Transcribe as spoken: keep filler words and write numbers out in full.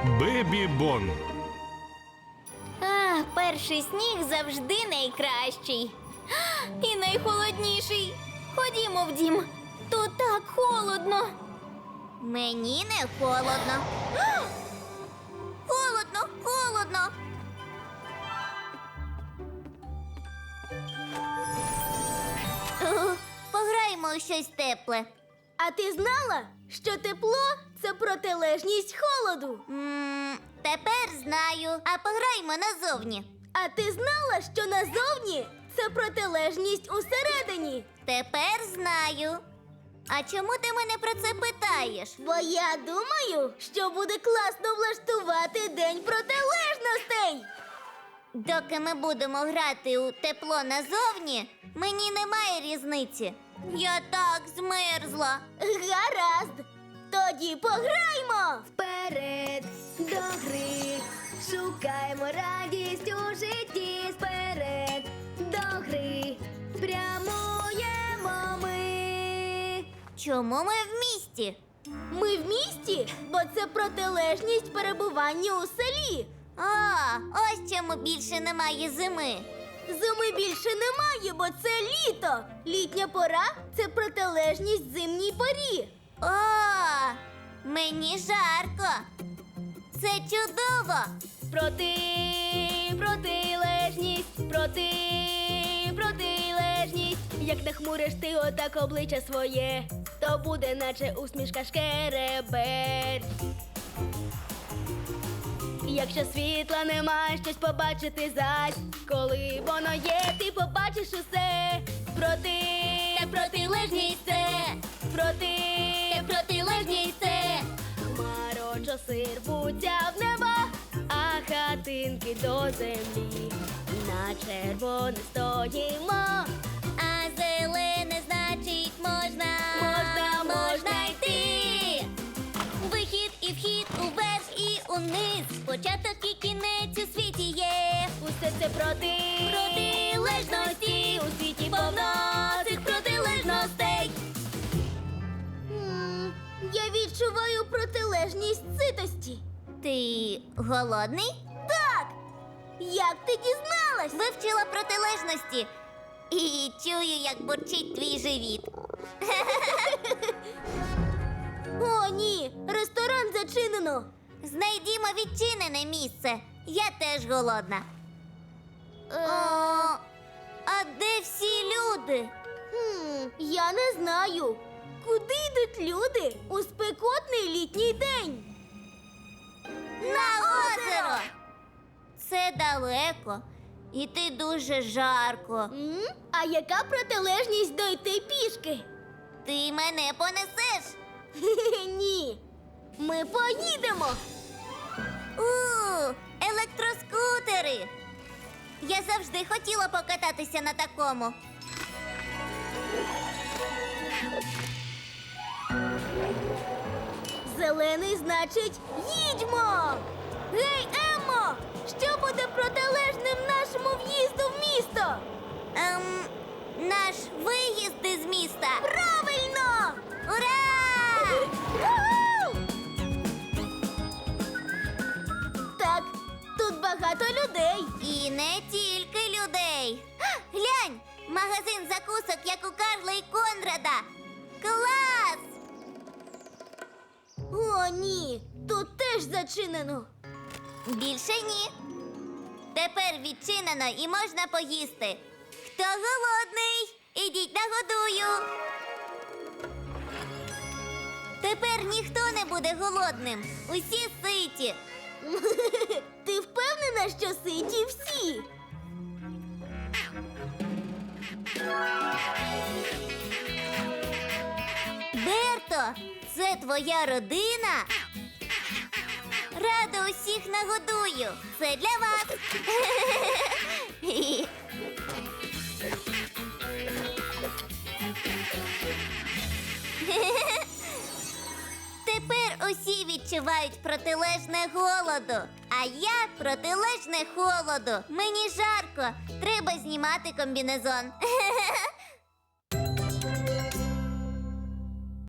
Бебі Бон. А, перший сніг завжди найкращий. А, і найхолодніший. Ходімо в дім. Тут так холодно. Мені не холодно. А! Холодно, холодно. О, пограємо у щось тепле. А ти знала, що тепло – це протилежність холоду? М, тепер знаю. А пограємо назовні. А ти знала, що назовні – це протилежність усередині? Тепер знаю. А чому ти мене про це питаєш? Бо я думаю, що буде класно влаштувати День протилежностей. Доки ми будемо грати у тепло назовні, мені немає різниці. Я так змерзла. Гаразд. Тоді пограймо. Вперед до гри, шукаємо радість у житті. Вперед до гри, прямуємо ми. Чому ми в місті? Ми в місті, бо це протилежність перебування у селі. А, ось чому більше немає зими. Зими більше немає, бо це літо. Літня пора – це протилежність зимній порі. О, мені жарко. Це чудово. Проти, протилежність, проти, протилежність. Як нахмуриш ти отак обличчя своє, то буде наче усмішка шкереберть. Якщо світла нема, щось побачити зась. Коли воно є, ти побачиш усе. Проти, протилежність це, проти, протилежність це. Хмарочоси рвуться в небо, а хатинки до землі. На червоне стоїмо. А зелене значить можна, Можна, можна йти. Вихід і вхід уверх і униз. Початок і кінець у світі є. Усе це проти, Протилежності у світі повно цих протилежностей. М, Я відчуваю протилежність ситості. Ти голодний? Так! Як ти дізналась? Вивчила протилежності. І чую, як бурчить твій живіт. О, ні! Ресторан зачинено! Знайдімо відчинене місце. Я теж голодна. Е, О, а де всі люди? хм, я не знаю. Куди йдуть люди у спекотний літній день? На озеро! Це далеко. Іти дуже жарко. М? А яка протилежність дойти пішки? Ти мене понесеш? Хе-хе, ні. Ми поїдемо. У, електроскутери. Я завжди хотіла покататися на такому. Зелений значить їдьмо. Гей, Еммо! Що буде протилежним нашому в'їзду в місто? Ем, наш виїзд із міста. Правильно! Ура! Уху! Так, тут багато людей. І не тільки людей. А, глянь, магазин закусок, як у Карла і Конрада. Клас! О, ні, тут теж зачинено. Більше ні. Тепер відчинено і можна поїсти. Хто голодний? Ідіть нагодую. Тепер ніхто не буде голодним. Усі ситі. Ти впевнена, що ситі всі? Берто, це твоя родина? Рада усіх нагодую. Це для вас. Тепер усі відчувають протилежне голоду, а я протилежне холоду. Мені жарко, треба знімати комбінезон.